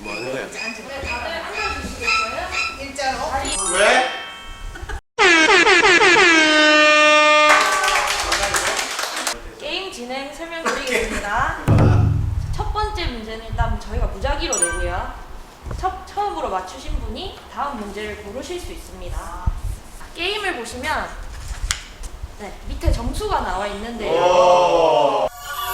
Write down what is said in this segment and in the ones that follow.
뭐 하는 거야? 다들 앉아주시겠어요? 일자로. 왜? 게임 진행 설명드리겠습니다. 첫 번째 문제는 일단 저희가 무작위로 내고요. 처음으로 맞추신 분이 다음 문제를 고르실 수 있습니다. 게임을 보시면 밑에 점수가 나와 있는데요.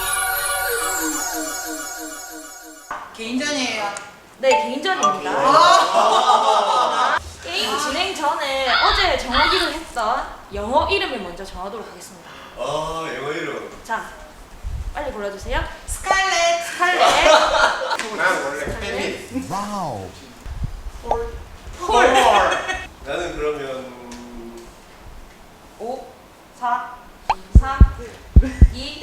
개인전이에요. 네, 개인전입니다. 게임 진행 전에 어제 정하기로 했던 영어 이름을 먼저 정하도록 하겠습니다. 영어 이름. 자, 빨리 골라주세요. 스칼렛. 스칼렛. 난 원래 페미. 와우. 폴. 나는 그러면 5, 4, 3, 2,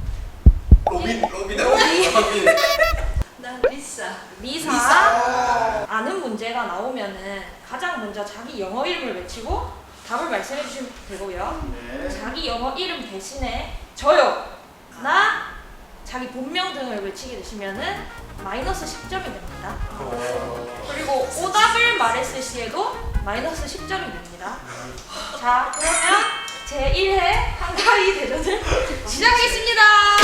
로빈이다. 로빈. 난 리사. 리사. 아는 문제가 나오면은 가장 먼저 자기 영어 이름을 외치고 답을 말씀해 주시면 되고요. 자기 영어 이름 대신에 저요, 나, 자기 본명 등을 외치게 되시면은 마이너스 10점이 됩니다. 그리고 오답을 말했을 시에도 마이너스 10점이 됩니다. 자, 그러면 제1회 한가위 대전을 시작하겠습니다.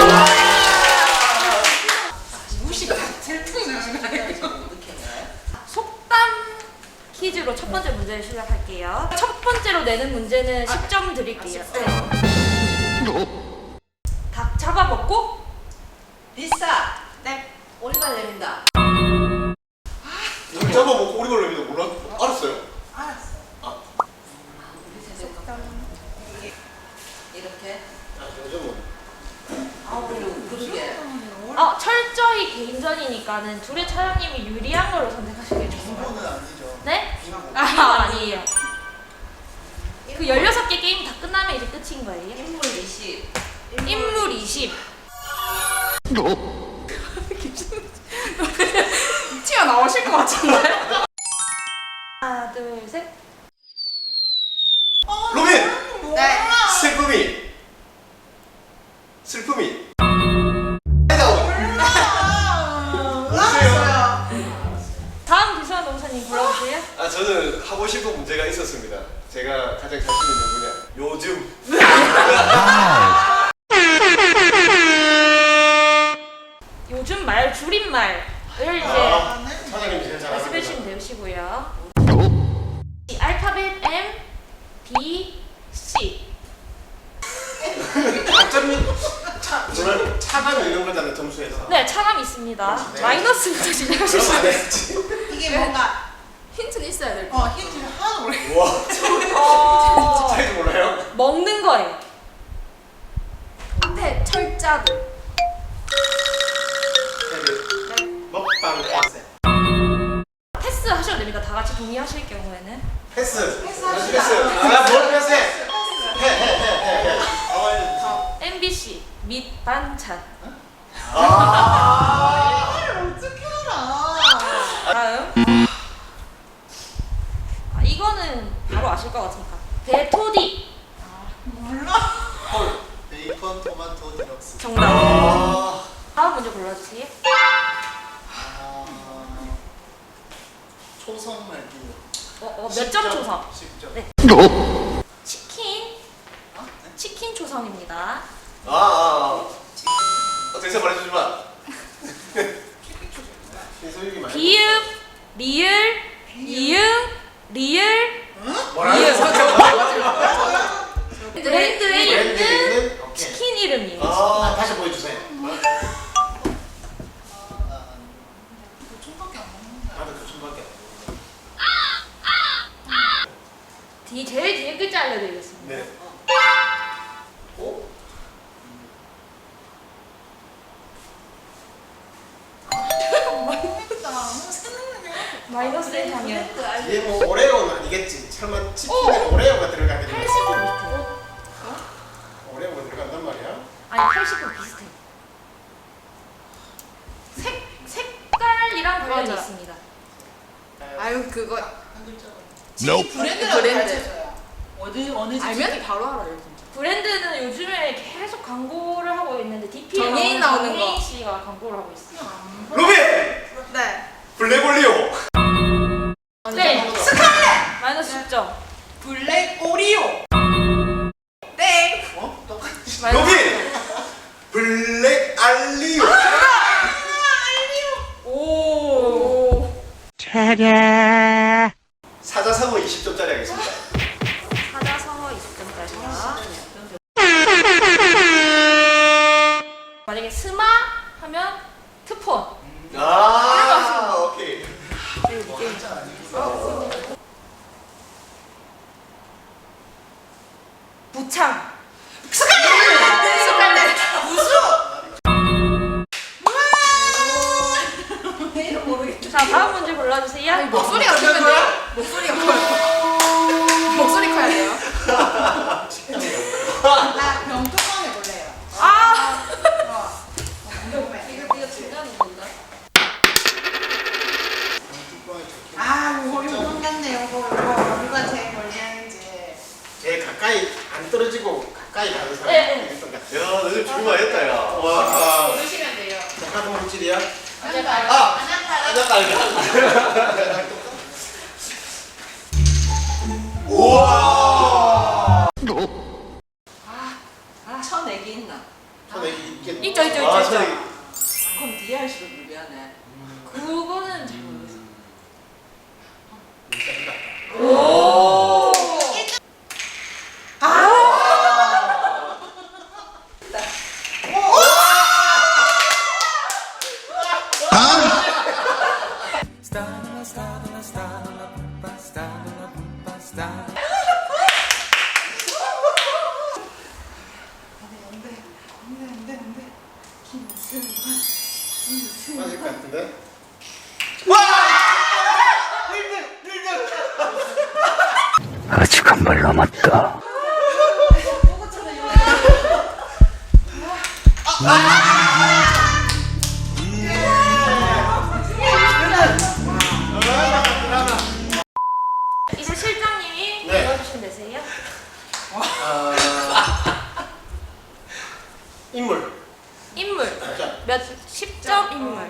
무식 질풍 나시나요? 속담 퀴즈로 첫 번째 문제를 시작할게요. 첫 번째로 내는 문제는 10점 드릴게요. 닭 잡아먹고 리사. 네. 오리발 내린다. 우리 잡아먹고 오리 걸리면 몰라? 알았어요. 알았어. 아. 이렇게. 요즘은 그러게. 철저히 개인전이니까는 둘의 차장님이 유리한 걸로 선택하시길 좋습니다. bingo는 아니죠. 네? 아니에요. 그 16개 게임 다 끝나면 이제 끝인 거예요. 인물 20. 인물 20. 튀어나오실 것 같은데? 하나, 둘, 셋. 로빈. 네. 슬픔이. 슬픔이. 알았어요. 다음 기수한 농사님 골라주세요. 저는 하고 싶은 문제가 있었습니다. 제가 가장 자신 있는 분야. 요즘. 요즘 말 줄임말을 이제 사장님이 제일 잘 말씀해 아십니다. 주시면 되시고요. 알파벳 M, B, C. 어차피 차가면 이런 거잖아요, 점수에서. 네, 차감 있습니다. 네. 마이너스부터 시작하실 수 그럼 안 있어요. 했지. 이게 뭔가 힌트는 있어야 될 힌트를 하나도 모르겠어. 우와. 차이도 몰라요? 먹는 거예요. 앞에 철자들. 먹방 컨셉. 패스 하셔도 됩니다. 다 같이 동의하실 경우에는. 패스. 패스합시다. 패스. 뭘 패스해? MBC 밑 반찬. 어떻게 알아? 다음. 이거는 바로 아실 것 같으니까. 대토디. 몰라. 헐. 베이컨, 토마토, 디럭스. 정답. 다음 문제 골라주세요. 초성 말기. 몇 점 초성? 10점. 네. 치킨. 치킨 초성입니다. 대사 말해주지 마. 신소유기 말. 비읍, 리을, 이응, 리을. 뭐라는 브랜드에 있는 오케이. 치킨 이름이에요. 다시 보여주세요. 조청밖에 안 먹는다. 나도 교촌밖에 제일 뒤에 글자 알려드리겠습니다. 네. 모르겠다. 너무 생각나네. 마이너스 1학년. 이게 뭐 오레오는 아니겠지. 설마 치킨에 오레오가 들어가게 되면 80분 비슷해. 오레오가 들어간단 말이야? 아니 80분 비슷해. 색깔이랑 관련이 맞아. 있습니다. 아유 그거 한 글자가. Nope. 브랜드라고 브랜드. 가르쳐줘요. 어느 알면 바로 알아요 진짜. 브랜드는 요즘에 계속 광고를 하고 있는데 DP에 정혜인 나오는 거. 정혜인 씨가 광고를 하고 있어요. 로빈! 네. 블랙올리오. 네. 스칼렛! 마이너스 10점. 블랙 오리오. 땡! 어? 똑같이. 로빈. 블랙 알리오. 오. 사자성어 20점짜리 하겠습니다. 사자성어 20점짜리가. 만약에 스마 하면 트폰. 아, 오케이. 부창. 스칼렛. 자, 다음 문제 골라주세요. 목소리가 크면 돼요. 목소리가 커요. 목소리 커야 돼요. 나 병뚜껑 해볼래요. 아! 이거 중간인 건가? 아, 이거 똑같네. 이거 누가 제일 멀리하는지. 제일 가까이 안 떨어지고 가까이 가는 사람. 네, 네. 있을 것 같아. 야, 너 좀 죽을만했다, 야. 와. 고르시면 돼요. 작가도 물질이야? 아! 우와! 천액이 있나? 저는 이게 있죠, 있죠, 아, 있죠. 저기. 그럼 뒤에 할수록 유리하네. 그거는 잘 모르겠어요. 오! 맞을 것 같은데? 아직 한 발 남았다. 이제 실장님이 네. 골라주시면 되세요. 인물. 인물. 자, 몇 10점 인물.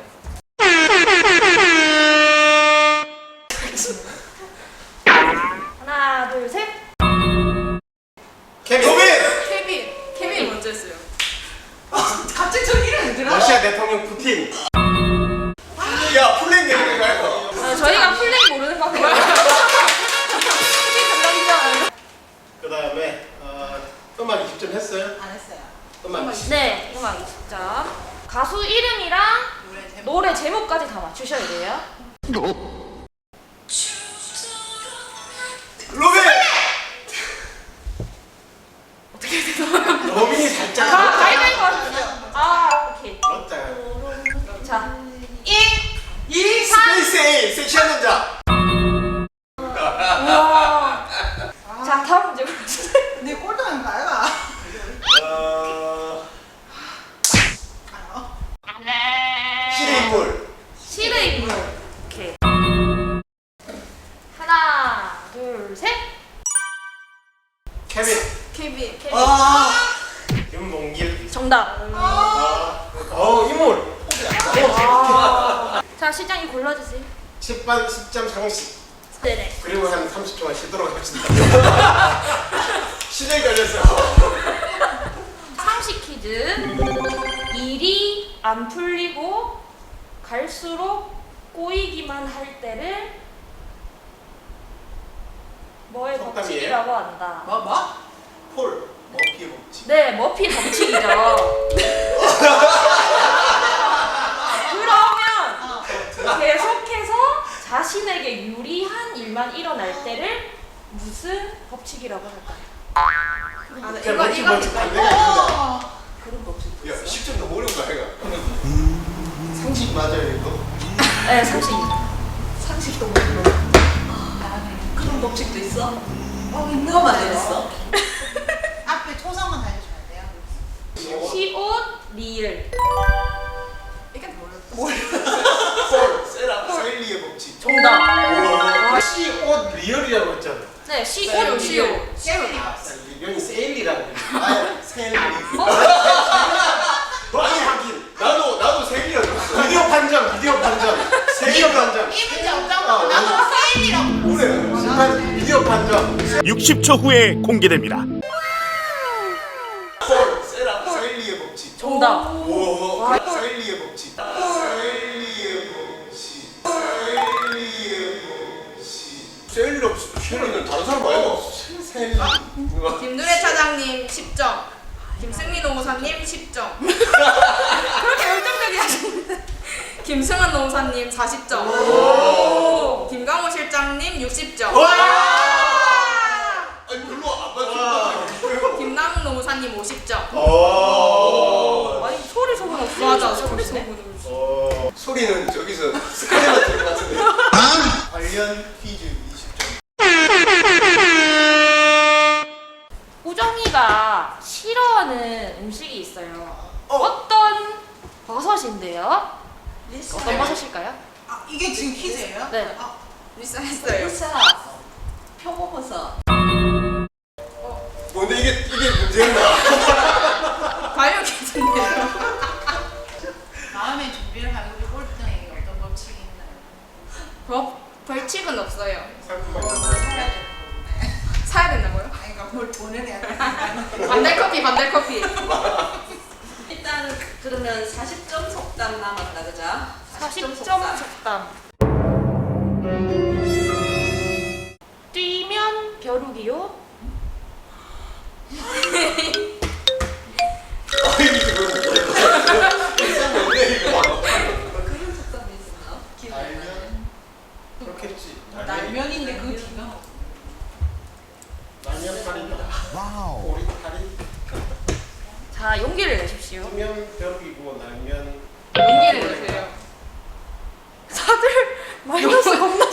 하나, 둘, 셋. 케빈. 로빈! 케빈 먼저 했어요. 갑자기 저 이름이 들어? 러시아 대통령 푸틴. 야, 플랜 얘기는 말고. 아, 저희가 플레이 모르는 것 같아요. 그 다음에 음악 20점 했어요? 안 했어요. 음악 20점. 네, 음악 20점. 가수 이름이랑 노래 제목. 노래 제목까지 다 맞추셔야 돼요. 로빈! 로빈이 살짝 가위바위보 하셨어요. 아, 오케이. 그렇다. 자, 2, 3. 스페이스 A, 섹시한 남자. 우와. 자, 다음 문제 보여주세요. 내 꼴등은 가야. 실의 인물. 실의 인물. 오케이. 하나, 둘, 셋. 케빈. 케빈. 윤봉길. 정답. 인물. 자, 실장님 골라주세요. 10반 10점 상식. 네네. 그리고 한 30초만 쉬도록 하겠습니다. 실에 걸렸어. 상식 퀴즈. 일이 안 풀리고 갈수록 꼬이기만 할 때를 뭐의 속담이에요? 법칙이라고 한다. 뭐? 폴. 머피의 법칙. 네, 머피 법칙이죠. 그러면 계속해서 자신에게 유리한 일만 일어날 때를 무슨 법칙이라고 할까요? 아, 네. 제가 이거 법칙 반대가 있는데. 그런 법칙. 야, 10점 더 어려운 거 아이가? 상식 맞아요 이거? 네, 상식. 상식도 모르고. 그런 법칙도 있어? 누가 만들었어? 앞에 초성은 알려줘야 돼요. 시옷 리을. 이게 뭐였어? 폴. 세일리의 법칙. 정답. 시옷 리얼이라고 했잖아. 네, 시옷 리을. 이건 세일리라고. 세일리. 아니, 하긴. 나도 세일이었어. 비디오 판정. 세일 판정. 이 문제 없다고 나도 세일이라고 그래. 심판 비디오 판정. 60초 후에 공개됩니다. 사일리의 법칙. 정답. 오. 사일리의 법칙. 사일리의 법칙. 사일리의 법칙. 사일리 없어. 쉐리는 다른 사람 말고. 사일리. 김누래 차장님 10점. 김승민 노무사님 10점. 그렇게 열정적이 하시는데. 김승환 노무사님 40점. 김강호 실장님 60점. 아니 별로 안 맞춘다. 김남욱 노무사님 50점. 아니 소리 소문 없이. 맞아, 진짜 소리 모르겠네. 소문. 소리는 저기서 스카이만 들것 같은데. 관련 퀴즈 20점. 우정이가 싫어하는 음식이 있어요. 어떤 버섯인데요? 어떤 버섯일까요? 아, 이게 지금 퀴즈예요? 네. 아, 리사했어요. 표고버섯 뭔데 이게 문제였나? 과연 퀴즈인데요. 다음에 준비를 하고 우리 꼴등에게 어떤 법칙이 있나요? 벌칙은 없어요. 상품만 뭘 사야 되는 건데 사야 된다고요? 아니 그러니까 뭘 보내야 되는 반달 커피. 일단 그러면 40점 속담 남았다 그죠? 40점 속담. 뛰면 벼룩이요? 그런 속담이 있었나? 기억이 안 나네. 날면 그렇겠지. 날면인데 그 뒤가 날면 팔이다. 오리 팔이. 자, 용기를 내십시오. 뛰면 벽이고 날면 용기를 내세요. 다들 마이너스 겁나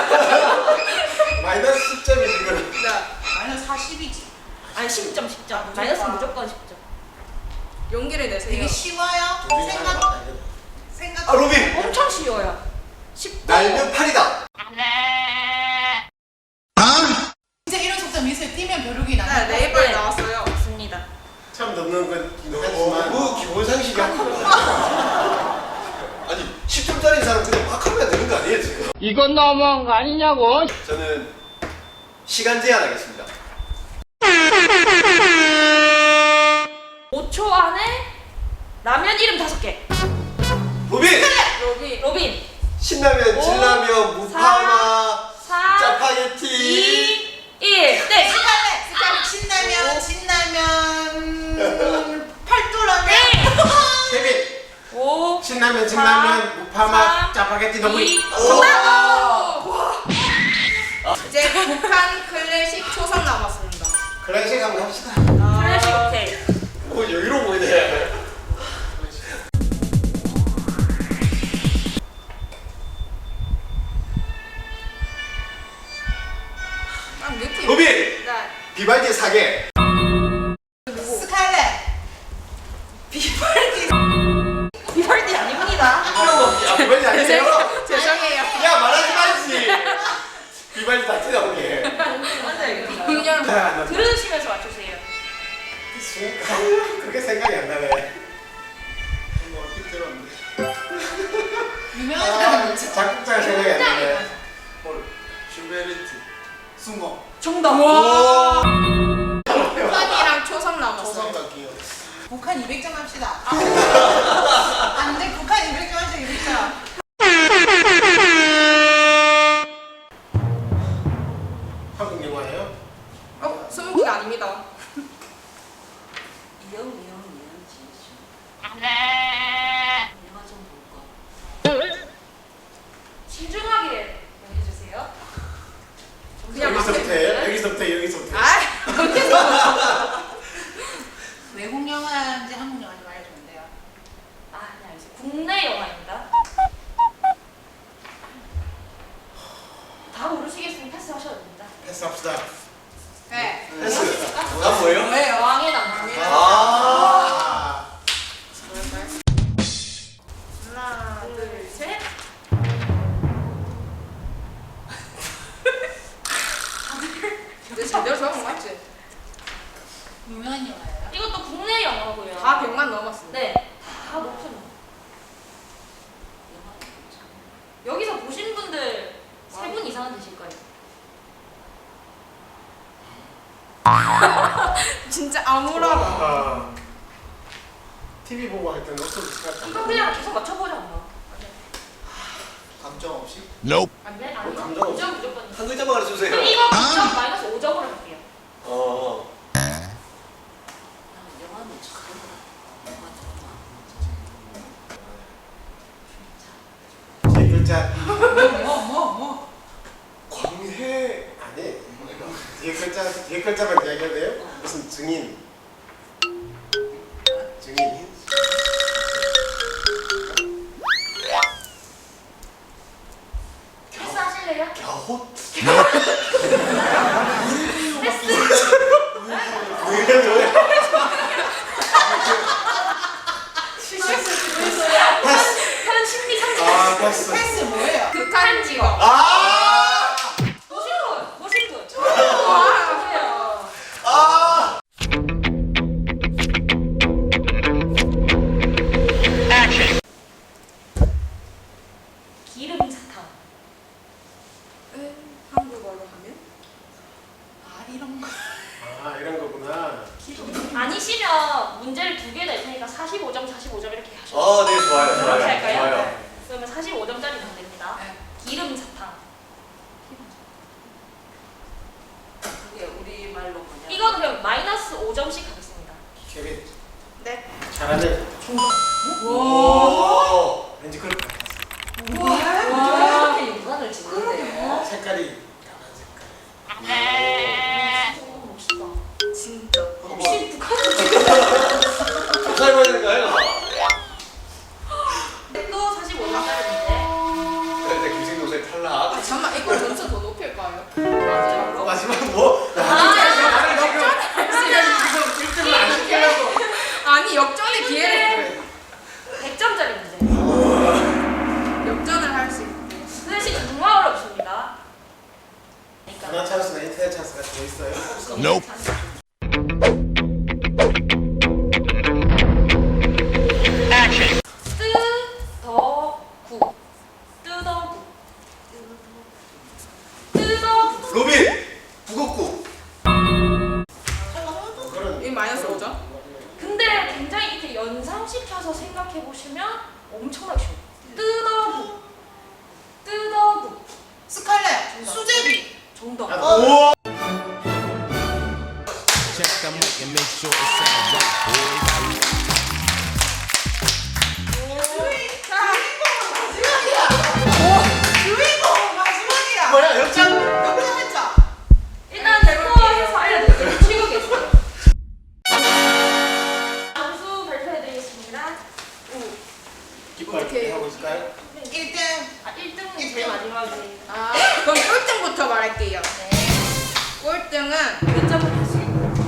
마이너스 10점이 이거는. 마이너스 40이지 아니 10점. 마이너스 무조건 10점. 용기를 내세요. 되게 쉬워요? 생각 아 로빈. 엄청 쉬워요. 10점. 날면 팔이다. 진짜 이런 속담 있어요. 뛰면 벼룩이 나는 네, 네이버에 네. 나왔어요. 맞습니다. 처음 듣는 거긴 하지만 너무 기본 상식이 한 아니 10점짜리 사람 그냥 막 하면 되는 거 아니에요 지금? 이건 너무한 거 아니냐고. 저는 시간 제한하겠습니다. 5초 안에 라면 이름 5개. 로빈! 로빈. 신라면, 오, 진라면, 무파마, 4, 짜파게티. 2, 1. 네. 신라면 진라면 팔도라면 케빈! 5, 신라면, 사, 진라면, 무파마, 삼, 짜파게티, 너구리. 2. 정답! 이제 북한 클래식 초성 남았습니다. 클래식 한번 합시다. 클래식 오케이. 오, 여유로워 보이네. 딱 느낌. 로빈! 네. 비발디 사계. 스칼렛 비발디 아닙니다. 야, 비발디 아니세요? 죄송해요. 야, 말하지 말지. 비발디 다 틀려보게. 맞아요. 그냥 들으시면서 맞추세요. 그렇게 생각이 안 나네. 뭐 어떻게 들었는데. 유명한 사람 작곡자가 생각이 안 나네. 슈베르트. 숭어. 정답. 북한이랑 초성 남았어요. 초성과 기억. 북한 200점 합시다. 안돼 북한 200점 하자 200점. 한국 영화예요? 스무고개 아닙니다. 이영 지혜씨. 영화 좀 볼까? 신중하게 여겨주세요. 그냥 여기서부터 해요? 여기서부터. 아, 어디서? 외국 영화인지 한국 영화인지 말해주면 돼요. 아, 네, 알겠습니다. 국내 영화입니다. 다 모르시겠으면 패스하셔도 됩니다. 패스합시다. 네. 패스. 아, 뭐예요? 왕의 남자. 아. 하나, 둘, 셋. 근데 제대로 적은 거 맞지? 유명한 영화예요. 이것도 국내 영화고요. 다 100만 넘었습니다. 네, 다 높은. 여기서 보신 분들 이상은 되실 거예요. 진짜 암울하다. TV 보고 할 때는 어떻게 생각할까? 이거 그냥 계속 맞춰보자 뭐. 감정 없이? Nope. 안 돼? 아니요. 감정 없이. 5점 무조건. 한 글자만 가르쳐주세요. 그럼 이거 9점 마이너스 5점으로 할게요. 영화는 처음 영화 네 글자. 뭐? 광해. 아니. 뒤에 글자만 이야기해도 돼요? 무슨 증인. 증인. 패스 하실래요? 겨호. 현 심리 상태. 아, 됐어. 패스 뭐예요? 극한 직업. 아! 보신 분, 보신 분. 아! 기름사탕. 한국어로 하면? 아 이런 거. 아, 이런 거구나. 아니시면 문제를 2개 낼 테니까 45점, 45점 이렇게 하셔도 돼요. 네, 좋아요. 그렇게 할까요? 좋아요. 그러면 45점짜리 문제입니다. 네. 기름사탕. 그게 우리 말로 뭐냐? 이거는 그냥 마이너스 5점씩 하겠습니다. 케빈. 네. 잘하네. 오! 왠지 그럴 것 같아. 이렇게 인간을 짓는데. 색깔이 까만 색깔. 멋있다. 진짜. 혹시 북한 살고 있는 거예요? 또 45점짜리인데 그런데 김생동생 탈락. 아, 잠깐만, 이거 점수 더 높일까요? 마지막으로? 마지막 뭐? 아니, 역전의 기회를 100점짜리 문제. 역전을 할 수 있게. 그 대신 정말 어렵습니다. 전화 찬스나 인터넷 찬스가 더 있어요? Nope. 뜨더구. 뜨더구. 뜨더구. 로빈! 북엇국. 그런. 이 마이너스 5점? 근데 굉장히 이렇게 연상시켜서 생각해 보시면 엄청나게 쉬워요. 뜨더구. 뜨더구. 스칼렛. 수제비. 정답. 우와! Check the mic and make sure it sounds right, boys. 주인공 마지막이야. 뭐야, 역전? 역전했죠? 일단 스코어해서 알려드릴게요. 치고 계세요. 점수 발표해드리겠습니다. 깃발 어떻게 하고 있을까요? 1등. 1등은 제일 마지막에. 아, 그럼 꼴등부터 말할게요. 네. 꼴등은 몇 점을 했어요?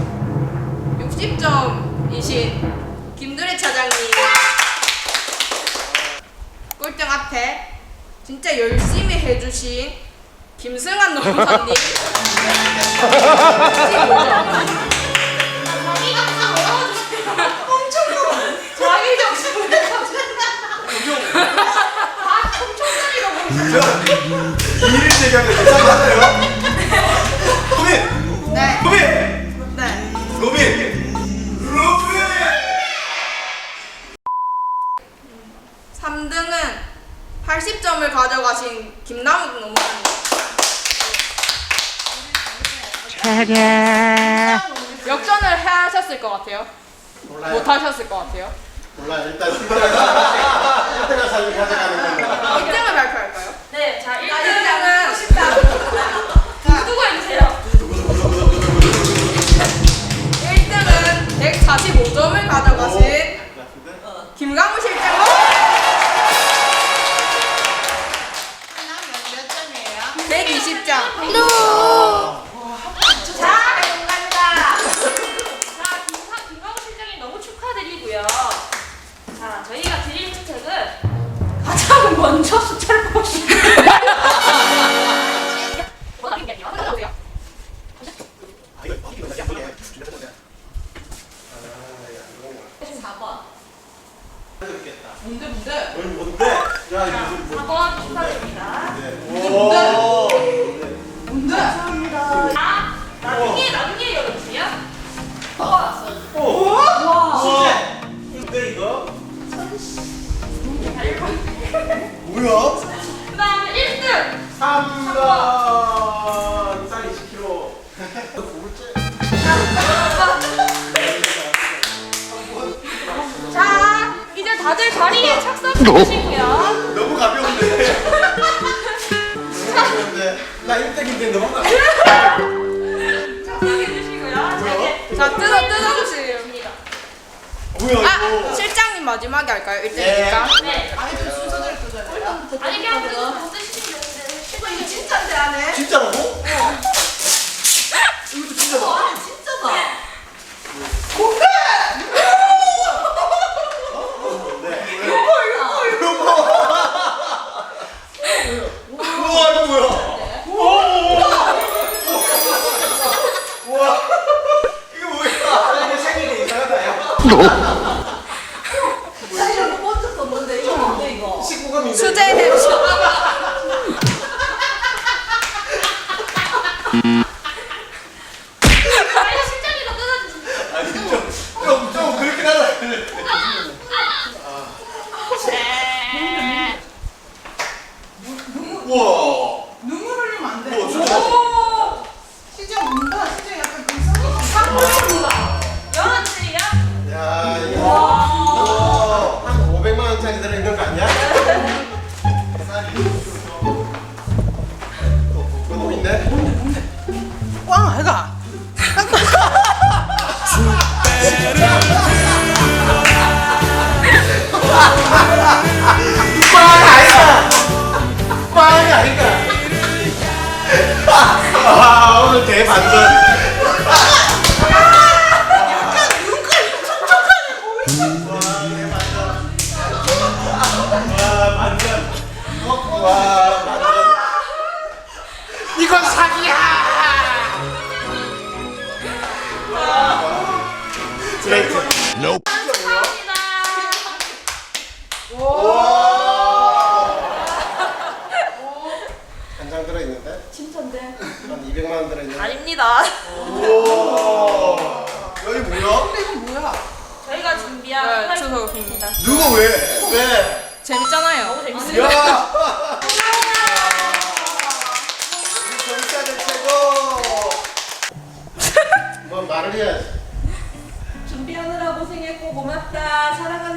60점이신 김두래 차장님. 꼴등 앞에 진짜 열심히 해주신 김승환 농사님. 15점. 자기 점수 다 총총짜리가 이를 제기하면 계산 맞아요? 로빈! 네. 로빈! 네. 로빈! 로빈! 3등은 80점을 가져가신 김남욱 농사님. 역전을 하셨을 것 같아요. 몰라요. 못 하셨을 것 같아요. 몰라. 일단 1등한 사람이 가져가는 겁니다. 1등을 발표할까요? 네, 자 1등은 1등은 누구 해주세요? 1등은 145점을 가져가신 김강우 실장님. 몇 점이에요? 120점. 자, 감사합니다. 자, 김강우 실장님 너무 축하드리고요. 자, 저희가 드릴 혜택은 가장 먼저 숫자를 뽑으시면 뭔데? 뭔데? 야, 이거 무슨 4번 축하드립니다. 오! 3번 쌀 20kg. 너 고글째? 자, 이제 다들 자리에 착석해 주시고요. 너무 가벼운데. 나 1등인데 너무 나. 착석해 주시고요. 자, 뜯어주세요. 뭐야 아, 이거? 실장님 마지막에 할까요? 1등이니까. 네. 아니 그 순서대로 뜯어야 돼요. 아니 그냥 뜯어 드시면 되는데. 이거 진짜인데 안 해? 진짜라고? 이것도 진짜다. 아니 진짜다. 우와 이거 뭐야? 우와 이거 뭐야? 이거 생일이 이상하다 야. 나 이런 거 먼저 썼는데 이거 뭔데 이거? 19금인데. 수제 아니 실장님도 뜯어주세요. 아니 좀 그렇게 하라. 우와. 눈물 흘리면 안 돼. 우와 진짜. 시정 운다. 시정 약간 근성이. 영원들이요? 야 이거 한 500만 원짜리 들어있는 거 아니야? 또 있네? 꽝 해가. 빵이 아닌가? 아 오늘 대반전. 와 반전. 이건 사기야. 브레이크. Nope. 감사합니다. 한 장 들어있는데? 진짜인데? 한 200만 원 들어있는데? 아닙니다. 오. 여기 뭐야? 근데 이건 뭐야? 저희가 준비한 네, 플라이트입니다. 누가 왜? 왜? 재밌잖아요. 너무 재밌어요. 야. 우리 정치아들 최고. 뭐 말을 해야지. 준비하느라 고생했고 고맙다. 사랑한다.